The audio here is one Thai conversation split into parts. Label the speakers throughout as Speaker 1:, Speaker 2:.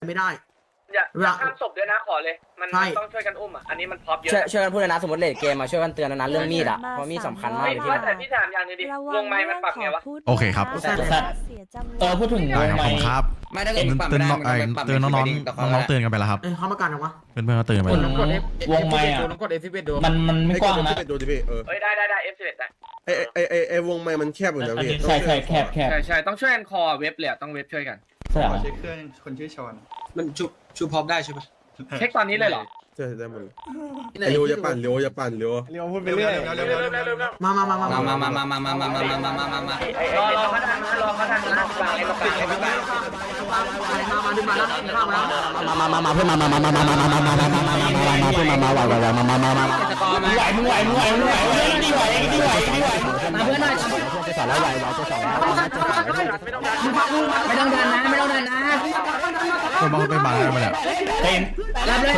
Speaker 1: ไม่ได้
Speaker 2: อย่าข้ามศพด้วยนะขอเลยมันต้องช่วยกันอุ้มอ่ะอันนี้มันพร็อพเยอะ
Speaker 3: ช่วยกันพูดนะสมมติเลดเกมมาช่วยกันเตือนนะเรื่องมีดอ่ะเพราะมีดสำคัญมากเลยที่
Speaker 2: แต่พี่ถามอย่างนึงดิวงไม้มันปรับไงวะ
Speaker 4: โอเคครับ
Speaker 5: พูดถึงวงไม้
Speaker 4: ครับ
Speaker 3: ไม่ได้เตื
Speaker 4: อนน้องเตือนกันไปแล้วครับ
Speaker 1: เขามากันหรอวะ
Speaker 4: เพื่อนก็เตือนไปแล้ว
Speaker 5: วงไม้อ่ะมันไม่กว้างนะ
Speaker 2: ดูดิพี่ได้ F11 ได้
Speaker 6: ไอวงไม้มันแคบอยู่นะพี่
Speaker 5: ใช่แคบ
Speaker 2: ใช่ต้องช่วยกันคอเว็บเลยต้องเว็บช่วยกัน
Speaker 5: ใช่
Speaker 7: เช็คเครื่องคนชื่อชอน
Speaker 8: มันชูพร้อมได้ใช่ปะ
Speaker 2: เช็คตอนนี้เลยเหรอ
Speaker 6: ใช่ได้หมดเร็วอย่าปั่นเร็ว
Speaker 7: พูดไปเรื่อย
Speaker 1: มาร
Speaker 2: อเขาทันนะวางไอ้ตรงกลาง
Speaker 1: มาดึงมาแล้วเข้ามาแล้ว
Speaker 3: มาเพื่อนมาเพื่อนมามึงไหวดีไหวมาเพื่อนหน่อยจะสอนแล้วไหวจะสอนแล้วไม่ต้องดันนะ
Speaker 4: คนมาไปมาแล้วมาเนี่ย
Speaker 3: เต็มรับเลย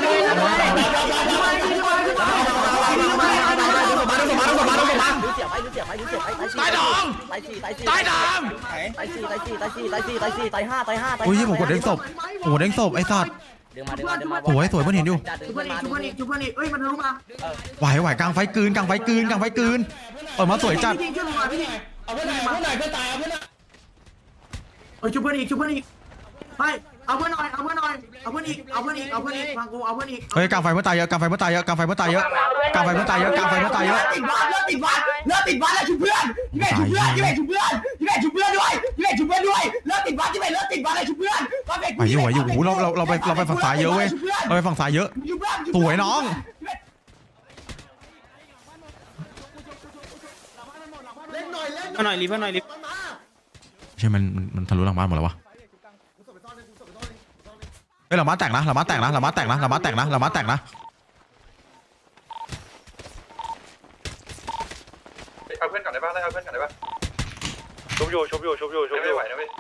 Speaker 4: ตายดอง
Speaker 3: ตายห้า
Speaker 4: อุ้ยผมกดเด้งศพโอ้เด้งศพไอ้สัตว์สวยเพื่อนเห็นอยู่
Speaker 1: ชุบเพื่อนอีกเอ้ยมันทะลุมา
Speaker 4: ไหวกลางไฟกลืนเปิดมาสวยจัด
Speaker 5: เอาเพื่อนหน่อยเพื่อนตายเอาเพื่อน
Speaker 1: ชุบเพื่อนอีกไปเอาเพื่อนหน่อยเอาเพื่อนอีกฟังกูเอาเพื่อนอีก
Speaker 4: เฮ้ยกลางไฟเมื่อตายเยอะติดวัด
Speaker 1: แล้วชุบเพื่อนยิงชุบเพื่อนด้วยเลิกติดวัดเลยชุบเพื่อน
Speaker 4: ไหวอยู่โอ้เราไปฝั่งซ้ายเยอะเว้ยเราไปฝั่งซ้ายเยอะสวยน้อง
Speaker 8: หน่อยรีบ
Speaker 4: ใช่มันทะลุหลังบ้านหมดแล้ววะเฮ้ยหลังบ้านแตกนะ
Speaker 7: เอาเพื่อนก่อนได้ป่ะชุบอยู่ไม่ไหวนะเว้ย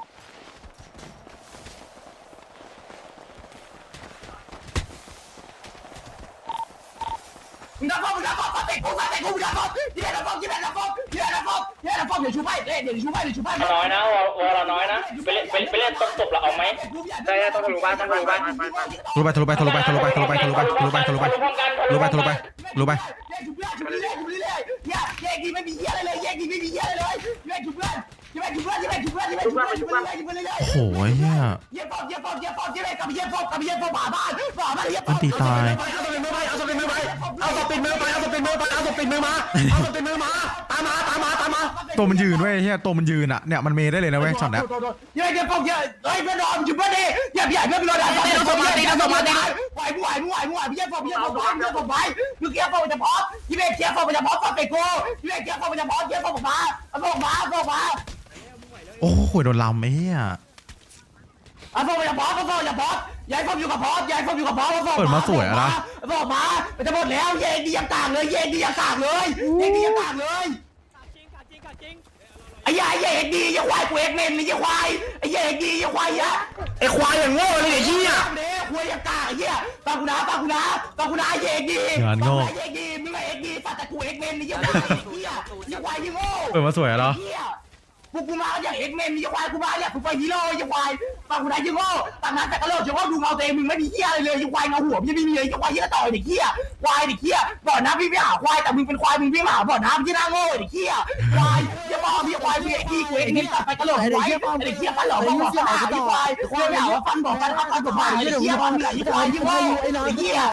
Speaker 1: มึงดับฟองติดกูยิงดับฟองเดี๋ยวชูไป
Speaker 2: น้อยนะวอลน้อยนะไปเล่นต้องจบแล้วเอาไหมได้ต้องทะลุบ้าน
Speaker 4: ทะลุไป
Speaker 1: แยกดีไม่มีเหี้ยอะไรเลยแยกชุบเพื่อน
Speaker 4: โอ้โหเฮียมันตีตายตัวมันยืนเว้ยเฮียตัวมันยืนอ่ะเนี่ยมันเมย์ได้เลยนะเว้ยช็อตเนี้ย
Speaker 1: อย่าเพื่อนนอนชุบเพื่อนดิอย่าเพื่อนนอนต้องสมาธิไหวพี่แยกฟองไปมึงเกียร์ฟองจะพอพี่เบสเกียร์ฟองจะพอฟังไปกูพี่เบสเกียร์ฟองจะพอเกียร์ฟองมา
Speaker 4: โอ้โหโดนลำไอ้เหี้ย
Speaker 1: ฟองจะพอย้ายฟองอยู่กับพอ
Speaker 4: เปิดมาสวยอะนะ
Speaker 1: ฟองมาจะหมดแล้วเย่ดียังต่างเลยไอ้ยาเย่ดีอย่าควายกูเอกเมนอย่าควายไอ้เย่ดีอย่าควายยะไอ้ควายอย่างโง่เลยไอ้เหี้ยควายอย่างกากไอ้เหี้ยฟังกูนะเย่ดี
Speaker 4: งานโง่
Speaker 1: เย่ดีมึงไอ้เอกดีปัตตะกูเอกเมนอย่าควายไอ้เหี้ยอย่าควายอย่างโง่
Speaker 4: เปิดมาสวยเหรอ
Speaker 1: พวกกูมาอย่างเอกเมนอย่าควายกูมาเนี่ยกูไปฮีโร่อย่าควายฟังกูนะอย่างโง่ต่างนั้นแต่กระโดดอย่าว่าดูเงาตัวเองมึงไม่มีเหี้ยอะไรเลยอย่าควายเงาหัวมึงยังไม่มีเลยอย่าควายเหี้ยต่อยเด็กเหี้ยควายเด็กเหี้ยบ่อน้ำพี่ไม่หาควายแต่มึงเป็นควายมึงไม่หาบ่อน้ำที่น่าโง่เด็กเหี้ยควายอย่าบอกพี่ควายพี่เอกดีกูเอกนี่ตัดไปกระโดดไว้เด็กเหี้ยฟันหล่อบอกขนาดควายไม่หาว่าฟันบอกกันฟันบอกมาเด็กเหี้ยฟันไหลควายยิ่งโง่เด็กเหี้ย